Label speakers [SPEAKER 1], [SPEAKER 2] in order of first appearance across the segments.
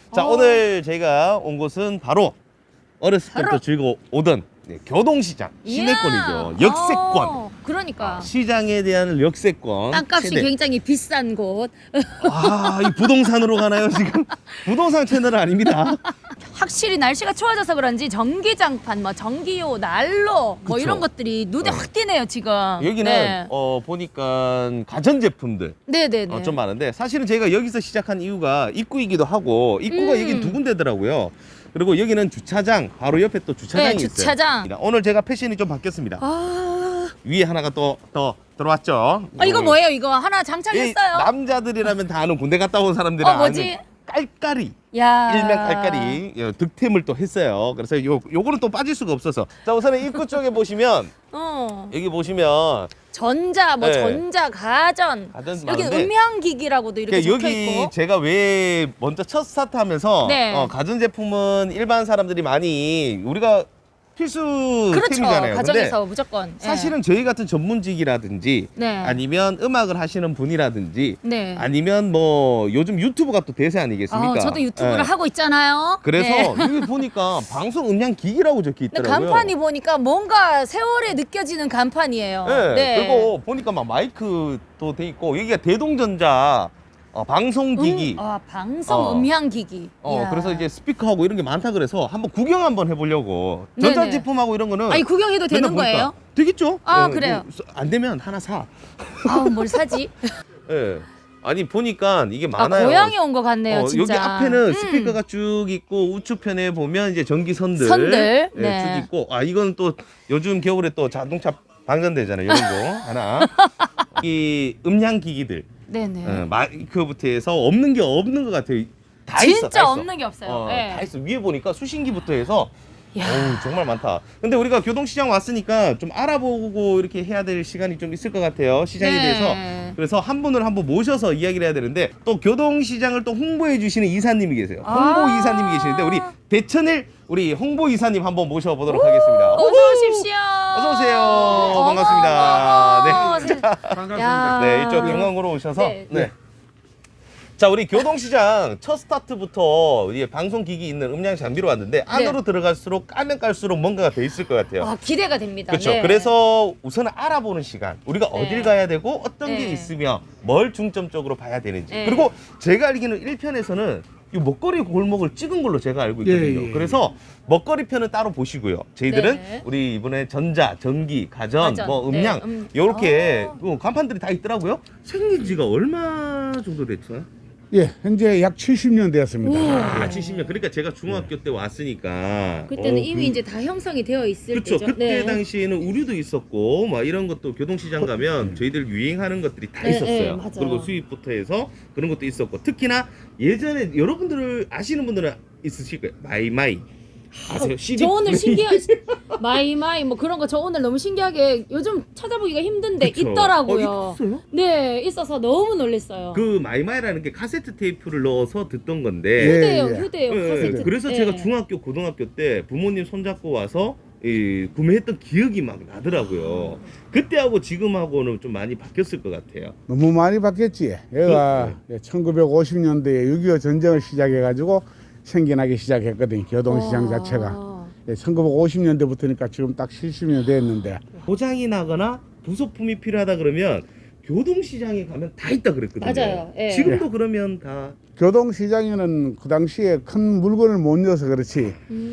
[SPEAKER 1] 자, 오늘 저희가 온 곳은 바로 어렸을 때부터 즐겨 오던 교동시장, 시내권이죠. 역세권.
[SPEAKER 2] 그러니까.
[SPEAKER 1] 시장에 대한 역세권.
[SPEAKER 2] 땅값이
[SPEAKER 1] 최대.
[SPEAKER 2] 굉장히 비싼 곳.
[SPEAKER 1] 아, 이 부동산으로 가나요, 지금? 부동산 채널은 아닙니다.
[SPEAKER 2] 확실히 날씨가 추워져서 그런지 전기장판, 뭐 전기요, 난로 뭐
[SPEAKER 1] 그쵸.
[SPEAKER 2] 이런 것들이 눈에 확 띄네요 지금.
[SPEAKER 1] 여기는
[SPEAKER 2] 네.
[SPEAKER 1] 보니까 가전제품들
[SPEAKER 2] 네네네.
[SPEAKER 1] 좀 많은데, 사실은 저희가 여기서 시작한 이유가 입구이기도 하고, 입구가 여기 두 군데더라고요. 그리고 여기는 주차장, 바로 옆에 또 주차장이
[SPEAKER 2] 네,
[SPEAKER 1] 있어요.
[SPEAKER 2] 주차장.
[SPEAKER 1] 오늘 제가 패션이 좀 바뀌었습니다. 위에 하나가 또 들어왔죠.
[SPEAKER 2] 이거 뭐예요? 이거 하나
[SPEAKER 1] 이
[SPEAKER 2] 장착했어요.
[SPEAKER 1] 남자들이라면 다 아는 군대 갔다 온 사람들은
[SPEAKER 2] 뭐지?
[SPEAKER 1] 아는 깔깔이.
[SPEAKER 2] 야.
[SPEAKER 1] 일명 깔깔이 득템을 또 했어요. 그래서 요거는 또 빠질 수가 없어서. 자, 우선은 입구 쪽에 보시면 여기 보시면
[SPEAKER 2] 전자, 뭐
[SPEAKER 1] 네.
[SPEAKER 2] 전자, 가전.
[SPEAKER 1] 가전
[SPEAKER 2] 여기
[SPEAKER 1] 많은데,
[SPEAKER 2] 음향기기라고도 이렇게 적혀
[SPEAKER 1] 여기
[SPEAKER 2] 있고.
[SPEAKER 1] 제가 왜 먼저 첫 스타트하면서
[SPEAKER 2] 네.
[SPEAKER 1] 가전제품은 일반 사람들이 많이 우리가 필수
[SPEAKER 2] 그렇죠.
[SPEAKER 1] 템이잖아요.
[SPEAKER 2] 가정에서
[SPEAKER 1] 근데
[SPEAKER 2] 무조건. 예.
[SPEAKER 1] 사실은 저희 같은 전문직이라든지
[SPEAKER 2] 네.
[SPEAKER 1] 아니면 음악을 하시는 분이라든지
[SPEAKER 2] 네.
[SPEAKER 1] 아니면 뭐 요즘 유튜브가 또 대세 아니겠습니까?
[SPEAKER 2] 저도 유튜브를
[SPEAKER 1] 예.
[SPEAKER 2] 하고 있잖아요.
[SPEAKER 1] 그래서
[SPEAKER 2] 네.
[SPEAKER 1] 여기 보니까 방송 음량 기기라고 적혀
[SPEAKER 2] 근데
[SPEAKER 1] 있더라고요.
[SPEAKER 2] 간판이 보니까 뭔가 세월에 느껴지는 간판이에요.
[SPEAKER 1] 네. 그리고 보니까 막 마이크도 돼 있고, 여기가 대동전자 방송기기.
[SPEAKER 2] 방송 음향기기. 이야.
[SPEAKER 1] 그래서 이제 스피커하고 이런 게 많다 그래서 한번 구경 한번 해보려고.
[SPEAKER 2] 네네.
[SPEAKER 1] 전자제품하고 이런 거는
[SPEAKER 2] 아니 구경해도 되는
[SPEAKER 1] 맨날 보니까
[SPEAKER 2] 거예요?
[SPEAKER 1] 되겠죠?
[SPEAKER 2] 그래요.
[SPEAKER 1] 안 되면 하나 사.
[SPEAKER 2] 뭘 사지?
[SPEAKER 1] 예. 아니 보니까 이게 많아요.
[SPEAKER 2] 고향에 온 것 같네요, 진짜.
[SPEAKER 1] 여기 앞에는 스피커가 쭉 있고, 우측편에 보면 이제 전기선들
[SPEAKER 2] 선들.
[SPEAKER 1] 예,
[SPEAKER 2] 네.
[SPEAKER 1] 쭉 있고, 이건 또 요즘 겨울에 또 자동차 방전되잖아요. 이런 거 하나. 이 음향기기들.
[SPEAKER 2] 네네.
[SPEAKER 1] 마이크부터 해서 없는 게 없는 것 같아요. 다 있어.
[SPEAKER 2] 진짜
[SPEAKER 1] 다 있어.
[SPEAKER 2] 없는 게 없어요. 네.
[SPEAKER 1] 다 있어. 위에 보니까 수신기부터 해서
[SPEAKER 2] 야.
[SPEAKER 1] 정말 많다. 근데 우리가 교동시장 왔으니까 좀 알아보고 이렇게 해야 될 시간이 좀 있을 것 같아요. 시장에
[SPEAKER 2] 네.
[SPEAKER 1] 대해서. 그래서 한 분을 한번 모셔서 이야기를 해야 되는데, 또 교동시장을 또 홍보해 주시는 이사님이 계세요. 홍보 이사님이 계시는데, 우리 배천일 우리 홍보 이사님 한번 모셔보도록 하겠습니다.
[SPEAKER 2] 어서 오십시오.
[SPEAKER 1] 어서 오세요. 반갑습니다. 네.
[SPEAKER 2] 반갑습니다.
[SPEAKER 1] 네, 이쪽 경항으로 오셔서
[SPEAKER 2] 네.
[SPEAKER 1] 자, 우리 교동시장 첫 스타트부터 우리 방송기기 있는 음량 장비로 왔는데, 안으로 들어갈수록 까면 깔수록 뭔가가 돼 있을 것 같아요.
[SPEAKER 2] 기대가 됩니다.
[SPEAKER 1] 그렇죠.
[SPEAKER 2] 네.
[SPEAKER 1] 그래서 우선은 알아보는 시간, 우리가 어딜 가야 되고 어떤 게
[SPEAKER 2] 네.
[SPEAKER 1] 있으며 뭘 중점적으로 봐야 되는지.
[SPEAKER 2] 네.
[SPEAKER 1] 그리고 제가 알기는 1편에서는 이 먹거리 골목을 찍은 걸로 제가 알고 있거든요.
[SPEAKER 3] 예.
[SPEAKER 1] 그래서 먹거리 편은 따로 보시고요. 저희들은
[SPEAKER 2] 네.
[SPEAKER 1] 우리 이번에 전자, 전기, 가전,
[SPEAKER 2] 가전,
[SPEAKER 1] 뭐 음량
[SPEAKER 2] 네,
[SPEAKER 1] 이렇게 간판들이 다 있더라고요. 생긴 지가 얼마 정도 됐죠?
[SPEAKER 3] 예, 현재 약 70년 되었습니다.
[SPEAKER 1] 70년. 그러니까 제가 중학교 때 왔으니까.
[SPEAKER 2] 그때는 이미 이제 다 형성이 되어 있을
[SPEAKER 1] 그렇죠.
[SPEAKER 2] 때죠.
[SPEAKER 1] 그때
[SPEAKER 2] 네.
[SPEAKER 1] 당시에는 우류도 있었고, 막 이런 것도 교동시장 가면 저희들 유행하는 것들이 다
[SPEAKER 2] 네,
[SPEAKER 1] 있었어요.
[SPEAKER 2] 네, 맞아요.
[SPEAKER 1] 그리고 수입부터 해서 그런 것도 있었고, 특히나 예전에 여러분들 아시는 분들은 있으실 거예요. 마이마이 아세요? CD
[SPEAKER 2] 저 오늘 마이마이 뭐 그런 거 저 오늘 너무 신기하게 요즘 찾아보기가 힘든데
[SPEAKER 1] 그쵸.
[SPEAKER 2] 있더라고요.
[SPEAKER 1] 있었어요?
[SPEAKER 2] 네, 있어서 너무 놀랐어요.
[SPEAKER 1] 그 마이마이라는 게 카세트 테이프를 넣어서 듣던 건데.
[SPEAKER 2] 휴대용,
[SPEAKER 3] 예, 예.
[SPEAKER 2] 휴대용
[SPEAKER 1] 네,
[SPEAKER 2] 카세트.
[SPEAKER 1] 그래서
[SPEAKER 2] 네.
[SPEAKER 1] 제가 중학교, 고등학교 때 부모님 손잡고 와서 구매했던 기억이 막 나더라고요. 그때하고 지금하고는 좀 많이 바뀌었을 것 같아요.
[SPEAKER 3] 너무 많이 바뀌었지. 얘가 1950년대에 6.25 전쟁을 시작해가지고 생겨나기 시작했거든요. 교동시장 자체가. 1950년대부터니까 지금 딱 70년 됐는데.
[SPEAKER 1] 고장이 나거나 부속품이 필요하다 그러면 교동시장에 가면 다 있다 그랬거든요.
[SPEAKER 2] 맞아요. 예.
[SPEAKER 1] 지금도 그러면 다
[SPEAKER 3] 교동시장에는 그 당시에 큰 물건을 못 넣어서 그렇지.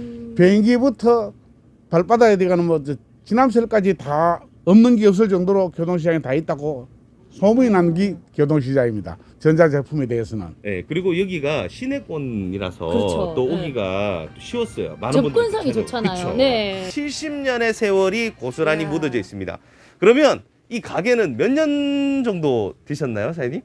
[SPEAKER 3] 비행기부터 발바닥에 들어가는 뭐 지남철까지 다 없는 게 없을 정도로 교동시장에 다 있다고 소문이 난 게 교동시장입니다. 전자제품에 대해서는.
[SPEAKER 1] 네, 그리고 여기가 시내권이라서
[SPEAKER 2] 그렇죠.
[SPEAKER 1] 또
[SPEAKER 2] 네.
[SPEAKER 1] 오기가 쉬웠어요. 많은
[SPEAKER 2] 접근성이
[SPEAKER 1] 분들이
[SPEAKER 2] 좋잖아요.
[SPEAKER 1] 그쵸.
[SPEAKER 2] 네.
[SPEAKER 1] 70년의 세월이 고스란히
[SPEAKER 2] 이야.
[SPEAKER 1] 묻어져 있습니다. 그러면 이 가게는 몇 년 정도 되셨나요, 사장님?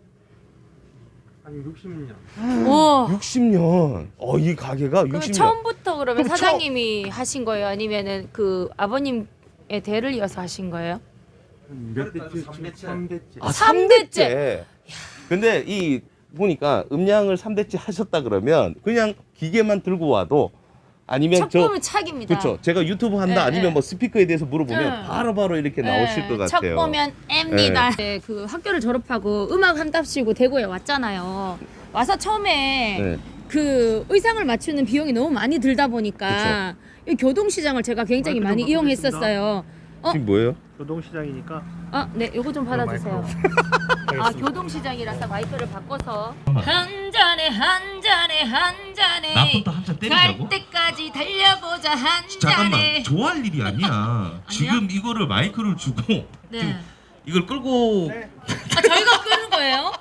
[SPEAKER 4] 한 60년.
[SPEAKER 2] 와.
[SPEAKER 1] 60년. 이 가게가
[SPEAKER 2] 그럼
[SPEAKER 1] 60년.
[SPEAKER 2] 처음부터 그러면
[SPEAKER 1] 그럼
[SPEAKER 2] 사장님이 하신 거예요? 아니면은 그 아버님의 대를 이어서 하신 거예요?
[SPEAKER 4] 몇 대째? 3대째.
[SPEAKER 1] 아,
[SPEAKER 2] 3대째.
[SPEAKER 1] 근데 이 보니까 음량을 3대째 하셨다 그러면 그냥 기계만 들고 와도, 아니면
[SPEAKER 2] 척보면 착입니다.
[SPEAKER 1] 그렇죠. 제가 유튜브 한다
[SPEAKER 2] 네,
[SPEAKER 1] 아니면
[SPEAKER 2] 네.
[SPEAKER 1] 뭐 스피커에 대해서 물어보면
[SPEAKER 2] 네.
[SPEAKER 1] 바로바로 이렇게 나오실 것
[SPEAKER 2] 척
[SPEAKER 1] 같아요.
[SPEAKER 2] 보면 M입니다. 네, 그 학교를 졸업하고 음악 한답시고 대구에 왔잖아요. 와서 처음에
[SPEAKER 1] 네.
[SPEAKER 2] 그 의상을 맞추는 비용이 너무 많이 들다 보니까 이 교동시장을 제가 굉장히 많이 이용했었어요.
[SPEAKER 1] 지금 뭐예요?
[SPEAKER 4] 교동시장이니까
[SPEAKER 2] 아, 네, 요거 좀 받아주세요. 아, 교동시장이라서 마이크를 바꿔서 한 잔에 한 잔에 한 잔에
[SPEAKER 5] 나부터 한 잔 때리자고?
[SPEAKER 2] 갈 때까지 달려보자 한
[SPEAKER 5] 잠깐만,
[SPEAKER 2] 잔에.
[SPEAKER 5] 좋아할 일이 아니야. 지금 이거를 마이크를 주고 지금
[SPEAKER 2] 네.
[SPEAKER 5] 이걸 끌고
[SPEAKER 2] 아, 저희가 끄는 거예요?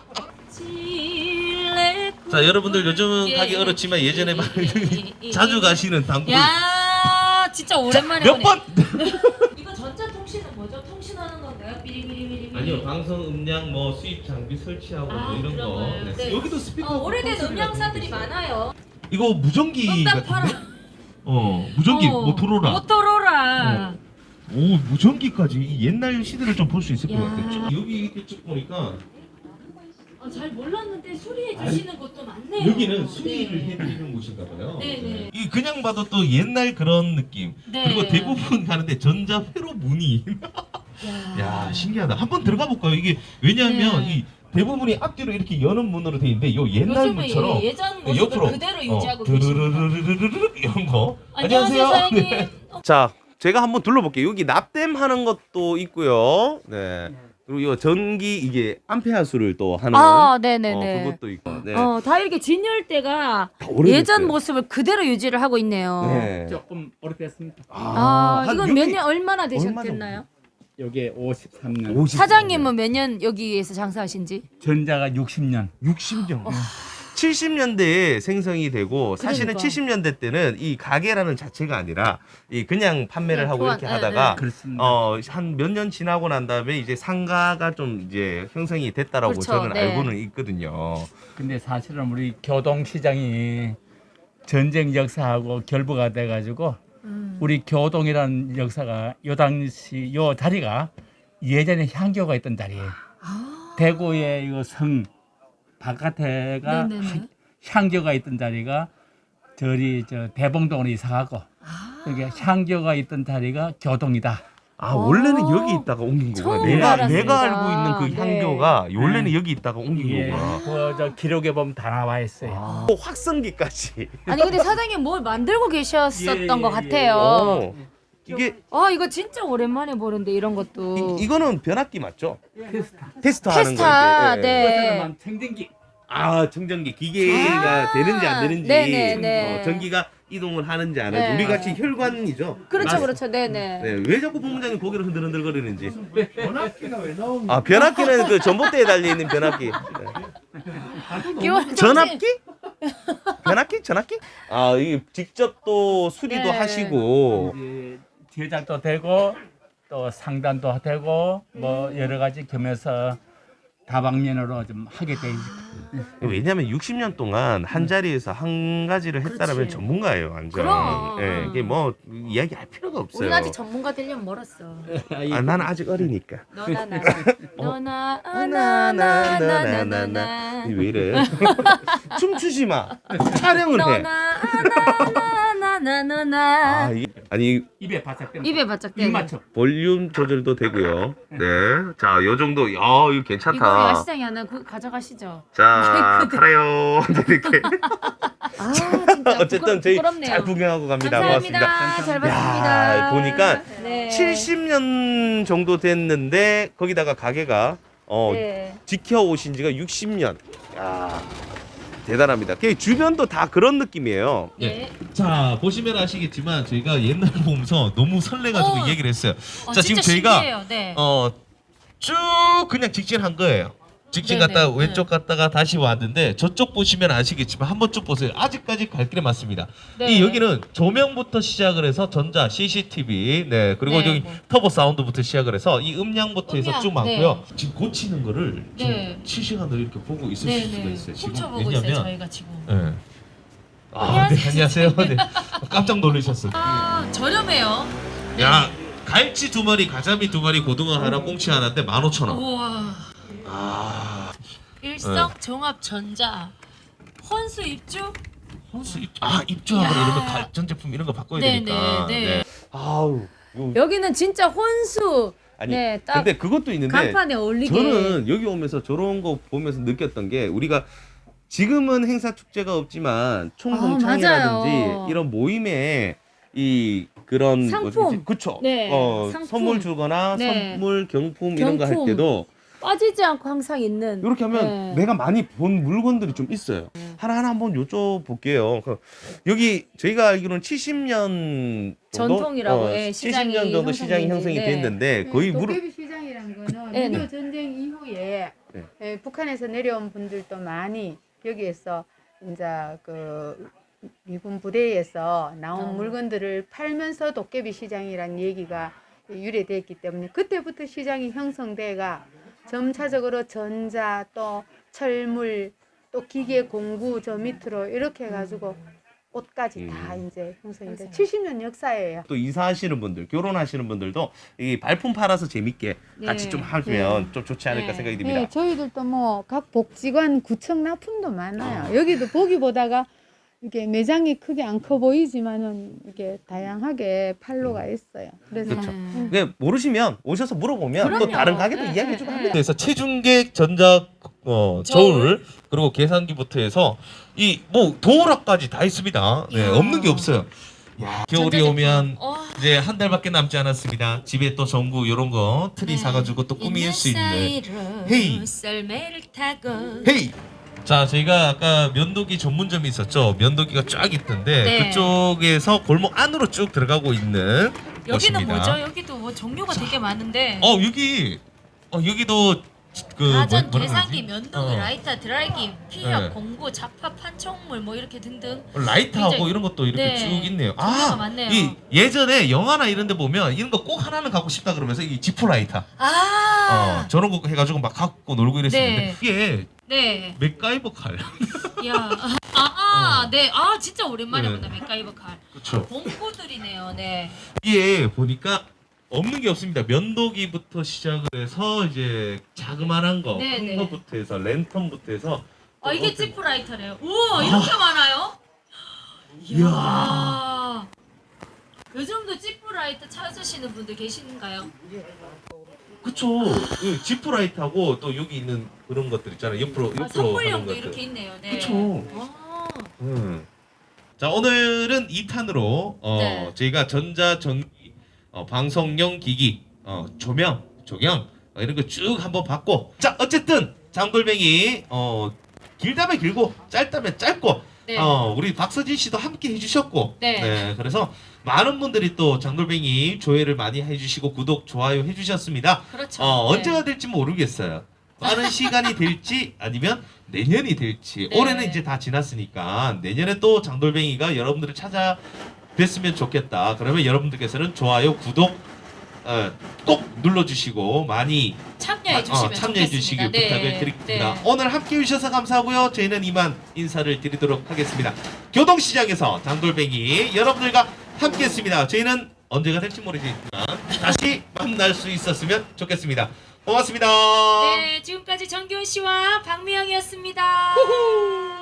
[SPEAKER 5] 자, 여러분들 요즘은 가기 어렵지만 예전에 자주 가시는 당구
[SPEAKER 2] 야, 진짜 오랜만에
[SPEAKER 5] 몇
[SPEAKER 2] 보네.
[SPEAKER 5] 번?
[SPEAKER 2] 이거 전자통신은 뭐죠? 통신하는 건가요? 삐리삐리삐리.
[SPEAKER 5] 아니요, 방송 음량 뭐 수입 장비 설치하고
[SPEAKER 2] 아,
[SPEAKER 5] 뭐 이런
[SPEAKER 2] 그런
[SPEAKER 5] 거.
[SPEAKER 2] 거요?
[SPEAKER 5] 네.
[SPEAKER 2] 네.
[SPEAKER 5] 여기도 스피커.
[SPEAKER 2] 오래된
[SPEAKER 5] 콘솔이라고
[SPEAKER 2] 음향사들이
[SPEAKER 5] 있어요.
[SPEAKER 2] 많아요.
[SPEAKER 5] 이거 무전기
[SPEAKER 2] 응답
[SPEAKER 5] 같은데?
[SPEAKER 2] 팔아.
[SPEAKER 5] 무전기 모토로라.
[SPEAKER 2] 모토로라.
[SPEAKER 5] 오, 무전기까지 이 옛날 시대를 좀 볼 수 있을 것
[SPEAKER 2] 야.
[SPEAKER 5] 같아요. 여기 이렇게 쭉 보니까
[SPEAKER 2] 잘 몰랐는데 수리해 주시는 곳도 많네요.
[SPEAKER 5] 여기는 수리를
[SPEAKER 2] 네.
[SPEAKER 5] 해드리는 곳인가 봐요.
[SPEAKER 2] 네네.
[SPEAKER 5] 이 그냥 봐도 또 옛날 그런 느낌.
[SPEAKER 2] 네.
[SPEAKER 5] 그리고 대부분 가는데 전자 회로 문이. 야, 신기하다. 한번 들어가 볼까요? 이게 왜냐하면
[SPEAKER 2] 네.
[SPEAKER 5] 이 대부분이 앞뒤로 이렇게 여는 문으로 돼 있는데 요 옛날
[SPEAKER 2] 요즘은
[SPEAKER 5] 문처럼
[SPEAKER 2] 예전 모습을 그대로 유지하고 계십니다.
[SPEAKER 5] 드르르르르르르 이런 거.
[SPEAKER 2] 안녕하세요, 사장님.
[SPEAKER 5] 네.
[SPEAKER 1] 자, 제가 한번 둘러볼게요. 여기 납땜 하는 것도 있고요. 네. 그리고 이 전기 이게 암페어 수를 또 하는
[SPEAKER 2] 네네네.
[SPEAKER 1] 그것도 있고. 네.
[SPEAKER 2] 다 이렇게 진열대가
[SPEAKER 1] 다 오래됐어요.
[SPEAKER 2] 예전 모습을 그대로 유지를 하고 있네요.
[SPEAKER 1] 네.
[SPEAKER 3] 조금 오래됐습니다.
[SPEAKER 1] 한
[SPEAKER 2] 이건
[SPEAKER 1] 여기
[SPEAKER 2] 몇 년 얼마나
[SPEAKER 1] 정도?
[SPEAKER 2] 되셨겠나요?
[SPEAKER 3] 여기 53년,
[SPEAKER 1] 50
[SPEAKER 2] 사장님은 몇 년 여기에서 장사하신지?
[SPEAKER 3] 전자가 60년.
[SPEAKER 1] 60년. 70년대에 생성이 되고 사실은
[SPEAKER 2] 그러니까.
[SPEAKER 1] 70년대 때는 이 가게라는 자체가 아니라 이 그냥 판매를
[SPEAKER 2] 그냥
[SPEAKER 1] 하고
[SPEAKER 2] 교환,
[SPEAKER 1] 이렇게
[SPEAKER 2] 네,
[SPEAKER 1] 하다가
[SPEAKER 2] 네.
[SPEAKER 3] 그렇습니다.
[SPEAKER 1] 한 몇 년 지나고 난 다음에 이제 상가가 좀 이제 형성이 됐다라고
[SPEAKER 2] 그렇죠,
[SPEAKER 1] 저는
[SPEAKER 2] 네.
[SPEAKER 1] 알고는 있거든요.
[SPEAKER 3] 근데 사실은 우리 교동시장이 전쟁 역사하고 결부가 돼가지고 우리 교동이라는 역사가 요 당시 요 자리가 예전에 향교가 있던 자리예요. 대구의 이거 성 바깥에가
[SPEAKER 2] 네네네.
[SPEAKER 3] 향교가 있던 자리가 저리 저 대봉동으로 이사가고 여기 향교가 있던 자리가 교동이다.
[SPEAKER 1] 아 원래는 여기 있다가 옮긴 거구나.
[SPEAKER 2] 처음
[SPEAKER 1] 내가
[SPEAKER 2] 알았습니다.
[SPEAKER 1] 알고 있는 그
[SPEAKER 2] 네.
[SPEAKER 1] 향교가 원래는 여기 있다가 옮긴
[SPEAKER 3] 예,
[SPEAKER 1] 거구나.
[SPEAKER 3] 그저 기록에 보면 다 나와 있어요.
[SPEAKER 1] 또 확성기까지.
[SPEAKER 2] 아니 근데 사장님 뭘 만들고 계셨었던
[SPEAKER 3] 예,
[SPEAKER 2] 것
[SPEAKER 3] 예,
[SPEAKER 2] 같아요.
[SPEAKER 1] 어. 이게
[SPEAKER 2] 이거 진짜 오랜만에 보는데 이런 것도.
[SPEAKER 1] 이거는 변압기 맞죠?
[SPEAKER 3] 테스타.
[SPEAKER 1] 테스트 하는
[SPEAKER 2] 테스타,
[SPEAKER 1] 거.
[SPEAKER 2] 네.
[SPEAKER 3] 청정기.
[SPEAKER 1] 아 정전기 기계가 되는지 안 되는지
[SPEAKER 2] 네네네.
[SPEAKER 1] 전기가 이동을 하는지 안 하는지
[SPEAKER 2] 네.
[SPEAKER 1] 우리 같이 혈관이죠.
[SPEAKER 2] 그렇죠, 그렇죠, 네네.
[SPEAKER 1] 네, 왜 자꾸 본부장님 고개를 흔들흔들거리는지.
[SPEAKER 4] 변압기가 왜 나옵니까?
[SPEAKER 1] 아 변압기는 그 전봇대에 달려 있는 변압기. 네.
[SPEAKER 2] 기원
[SPEAKER 1] 전압기? 변압기? 전압기? 아 이게 직접 또 수리도
[SPEAKER 2] 네.
[SPEAKER 1] 하시고.
[SPEAKER 3] 이제 제작도 되고 또 상단도 되고 뭐 여러 가지 겸해서 다방면으로 좀 하게 돼 있습니다.
[SPEAKER 1] 왜냐하면 60년 동안 한 자리에서 한 가지를 했다라면
[SPEAKER 2] 그렇지.
[SPEAKER 1] 전문가예요, 완전.
[SPEAKER 2] 그럼.
[SPEAKER 1] 예, 이게 뭐 이야기할 필요가 없어요.
[SPEAKER 2] 우리가 아직 전문가 되려면 멀었어.
[SPEAKER 1] 아, 나는 아직 어리니까.
[SPEAKER 2] 너나 나, 너나
[SPEAKER 1] 나나나나나나나. 왜 이래? 춤추지 마. 촬영을 해.
[SPEAKER 2] 나나나나나나나.
[SPEAKER 1] 아니
[SPEAKER 3] 입에 바짝 대.
[SPEAKER 2] 입에 바짝 대.
[SPEAKER 3] 입 맞춰.
[SPEAKER 1] 볼륨 조절도 되고요. 네. 자, 요 정도. 이거
[SPEAKER 2] 이거
[SPEAKER 1] 괜찮다.
[SPEAKER 2] 야시장에 하나 가져가시죠.
[SPEAKER 1] 자, 팔아요. 이렇게.
[SPEAKER 2] 아 진짜
[SPEAKER 1] 어쨌든 저희
[SPEAKER 2] 부끄럽네요.
[SPEAKER 1] 잘 구경하고 갑니다.
[SPEAKER 2] 감사합니다.
[SPEAKER 1] 고맙습니다.
[SPEAKER 2] 잘 봤습니다.
[SPEAKER 1] 야, 보니까
[SPEAKER 2] 네.
[SPEAKER 1] 70년 정도 됐는데 거기다가 가게가
[SPEAKER 2] 네.
[SPEAKER 1] 지켜오신 지가 60년. 야, 대단합니다. 그 주변도 다 그런 느낌이에요.
[SPEAKER 2] 네.
[SPEAKER 5] 자, 보시면 아시겠지만 저희가 옛날 보면서 너무 설레가지고 얘기를 했어요. 자, 지금
[SPEAKER 2] 진짜
[SPEAKER 5] 저희가
[SPEAKER 2] 신기해요. 네.
[SPEAKER 5] 쭉 그냥 직진한 거예요. 직진
[SPEAKER 2] 네네.
[SPEAKER 5] 갔다가 왼쪽 갔다가 다시 왔는데 저쪽 보시면 아시겠지만 한번 쭉 보세요. 아직까지 갈 길이 많습니다.
[SPEAKER 2] 네.
[SPEAKER 5] 이 여기는 조명부터 시작을 해서 전자, CCTV, 네 그리고
[SPEAKER 2] 네,
[SPEAKER 5] 여기
[SPEAKER 2] 네.
[SPEAKER 5] 터보 사운드부터 시작을 해서 이 음량부터 해서
[SPEAKER 2] 음량,
[SPEAKER 5] 쭉 많고요. 지금 고치는 거를
[SPEAKER 2] 네.
[SPEAKER 5] 지금 실시간으로 이렇게 보고 있을 수가
[SPEAKER 2] 네네.
[SPEAKER 5] 있어요. 지금
[SPEAKER 2] 훔쳐보고 있어요 저희가 지금.
[SPEAKER 5] 네. 아, 네, 안녕하세요. 네. 깜짝 놀라셨어요.
[SPEAKER 2] 저렴해요.
[SPEAKER 5] 야, 갈치 2마리, 가자미 2마리, 고등어 하나, 꽁치 하나인데 15,000원.
[SPEAKER 2] 우와.
[SPEAKER 5] 아,
[SPEAKER 2] 일성 종합 전자 혼수 입주.
[SPEAKER 5] 입주하거나
[SPEAKER 2] 이야.
[SPEAKER 5] 이러면 가전제품 이런 거 바꿔야
[SPEAKER 2] 네,
[SPEAKER 5] 되니까.
[SPEAKER 2] 네, 네.
[SPEAKER 1] 아우.
[SPEAKER 2] 여기는 진짜 혼수.
[SPEAKER 1] 아니,
[SPEAKER 2] 네, 딱
[SPEAKER 1] 근데 그것도 있는데
[SPEAKER 2] 간판에 어울리게.
[SPEAKER 1] 저는 여기 오면서 저런 거 보면서 느꼈던 게 우리가 지금은 행사 축제가 없지만
[SPEAKER 2] 아,
[SPEAKER 1] 총동창이라든지
[SPEAKER 2] 맞아요.
[SPEAKER 1] 이런 모임에 이 그런
[SPEAKER 2] 상품.
[SPEAKER 1] 그쵸.
[SPEAKER 2] 네, 상품.
[SPEAKER 1] 선물 주거나
[SPEAKER 2] 네.
[SPEAKER 1] 선물 경품 이런 거 할
[SPEAKER 2] 경품.
[SPEAKER 1] 때도
[SPEAKER 2] 빠지지 않고 항상 있는.
[SPEAKER 1] 이렇게 하면
[SPEAKER 2] 네.
[SPEAKER 1] 내가 많이 본 물건들이 좀 있어요. 하나하나 한번 여쭤볼게요. 여기 저희가 알기로는 70년 정도?
[SPEAKER 2] 전통이라고, 예, 시장이
[SPEAKER 1] 70년 정도 시장이 형성이
[SPEAKER 2] 네.
[SPEAKER 1] 됐는데 거의 무릎
[SPEAKER 6] 도깨비 시장이라는 거는
[SPEAKER 2] 네, 네.
[SPEAKER 6] 6.25 전쟁 이후에
[SPEAKER 1] 네.
[SPEAKER 6] 북한에서 내려온 분들도 많이 여기에서 이제 그 미군 부대에서 나온 물건들을 팔면서 도깨비 시장이라는 얘기가 유래됐기 때문에 그때부터 시장이 형성돼가 점차적으로 전자 또 철물 또 기계 공구 저 밑으로 이렇게 해가지고 옷까지 다 이제 형성이 돼 70년 역사예요.
[SPEAKER 1] 또 이사하시는 분들, 결혼하시는 분들도 이 발품 팔아서 재밌게 같이
[SPEAKER 2] 네.
[SPEAKER 1] 좀 하면 좀 좋지 않을까
[SPEAKER 2] 네.
[SPEAKER 1] 생각이 듭니다.
[SPEAKER 6] 네, 저희들도 뭐 각 복지관 구청 납품도 많아요. 여기도 보기보다가 이게 매장이 크게 안 커 보이지만은 이게 다양하게 판로가 있어요. 그래서
[SPEAKER 1] 그렇죠.
[SPEAKER 2] 네.
[SPEAKER 1] 네, 모르시면 오셔서 물어보면 또
[SPEAKER 2] 그럼요.
[SPEAKER 1] 다른 가게도
[SPEAKER 2] 네,
[SPEAKER 1] 이야기해
[SPEAKER 2] 네,
[SPEAKER 1] 주고
[SPEAKER 2] 네.
[SPEAKER 1] 합니다.
[SPEAKER 5] 그래서 체중계 전자 저울 그리고 계산기부터 해서 이 뭐 도어락까지 다 있습니다. 네,
[SPEAKER 2] 이야.
[SPEAKER 5] 없는 게 없어요. 야, 겨울이
[SPEAKER 2] 전자제품.
[SPEAKER 5] 오면
[SPEAKER 2] 와.
[SPEAKER 5] 이제 한 달밖에 남지 않았습니다. 집에 또 전구 이런 거 트리
[SPEAKER 2] 네.
[SPEAKER 5] 사가지고 또 꾸밀 수 있는 헤이.
[SPEAKER 2] 썰매를 타고.
[SPEAKER 5] 헤이. 자, 저희가 아까 면도기 전문점이 있었죠. 면도기가 쫙 있던데
[SPEAKER 2] 네.
[SPEAKER 5] 그쪽에서 골목 안으로 쭉 들어가고 있는
[SPEAKER 2] 여기는
[SPEAKER 5] 곳입니다.
[SPEAKER 2] 뭐죠? 여기도 뭐 종류가 되게 많은데.
[SPEAKER 5] 여기도 그
[SPEAKER 2] 가전,
[SPEAKER 5] 뭐라
[SPEAKER 2] 계산기,
[SPEAKER 5] 그러지?
[SPEAKER 2] 면도기, 라이터, 드라이기, 피력,
[SPEAKER 5] 네.
[SPEAKER 2] 공구, 잡화, 판촉물 뭐 이렇게 등등.
[SPEAKER 5] 라이트하고
[SPEAKER 2] 굉장히-
[SPEAKER 5] 이런 것도 이렇게
[SPEAKER 2] 네.
[SPEAKER 5] 쭉 있네요.
[SPEAKER 2] 종류가 많네요.
[SPEAKER 5] 이 예전에 영화나 이런 데 보면 이런 거 꼭 하나는 갖고 싶다 그러면서 이 지프 라이터 저런 거 해가지고 막 갖고 놀고 이랬었는데
[SPEAKER 2] 네.
[SPEAKER 5] 이게
[SPEAKER 2] 네.
[SPEAKER 5] 맥가이버 칼.
[SPEAKER 2] 야. 네. 진짜 오랜만에
[SPEAKER 5] 네.
[SPEAKER 2] 본다. 맥가이버 칼.
[SPEAKER 5] 그렇죠.
[SPEAKER 2] 공구들이네요. 네.
[SPEAKER 5] 이게 보니까 없는 게 없습니다. 면도기부터 시작을 해서 이제 자그만한 거,
[SPEAKER 2] 네,
[SPEAKER 5] 큰
[SPEAKER 2] 네.
[SPEAKER 5] 거부터 해서 랜턴부터 해서
[SPEAKER 2] 이게 지프라이터래요. 우와, 이렇게 많아요? 이야. 요즘도 지프라이터 찾으시는 분들 계신가요?
[SPEAKER 5] 그쵸. 그 지프 라이트하고 또 여기 있는 그런 것들 있잖아요. 옆으로 하는
[SPEAKER 2] 선물용도
[SPEAKER 5] 것들.
[SPEAKER 2] 이렇게 있네요. 네.
[SPEAKER 5] 그쵸.
[SPEAKER 2] 와.
[SPEAKER 5] 자, 오늘은 2탄으로
[SPEAKER 2] 네.
[SPEAKER 5] 저희가 전자 전기 방송용 기기 조명 이런 거 쭉 한번 봤고, 자, 어쨌든 장돌뱅이 길다면 길고 짧다면 짧고
[SPEAKER 2] 네.
[SPEAKER 5] 우리 박서진 씨도 함께 해주셨고,
[SPEAKER 2] 네.
[SPEAKER 5] 그래서 많은 분들이 또 장돌뱅이 조회를 많이 해주시고 구독 좋아요 해주셨습니다.
[SPEAKER 2] 그렇죠.
[SPEAKER 5] 언제가 될지 모르겠어요. 빠른 시간이 될지 아니면 내년이 될지.
[SPEAKER 2] 네.
[SPEAKER 5] 올해는 이제 다 지났으니까 내년에 또 장돌뱅이가 여러분들을 찾아뵀으면 좋겠다. 그러면 여러분들께서는 좋아요, 구독 꼭 눌러주시고 많이
[SPEAKER 2] 참여해 주시면
[SPEAKER 5] 참여해
[SPEAKER 2] 좋겠습니다.
[SPEAKER 5] 주시길
[SPEAKER 2] 네.
[SPEAKER 5] 부탁을 드립니다.
[SPEAKER 2] 네.
[SPEAKER 5] 오늘 함께 해주셔서 감사하고요. 저희는 이만 인사를 드리도록 하겠습니다. 교동시장에서 장돌뱅이 여러분들과 함께했습니다. 저희는 언제가 될지 모르겠지만 다시 만날 수 있었으면 좋겠습니다. 고맙습니다.
[SPEAKER 2] 네, 지금까지 정기훈 씨와 박미영이었습니다.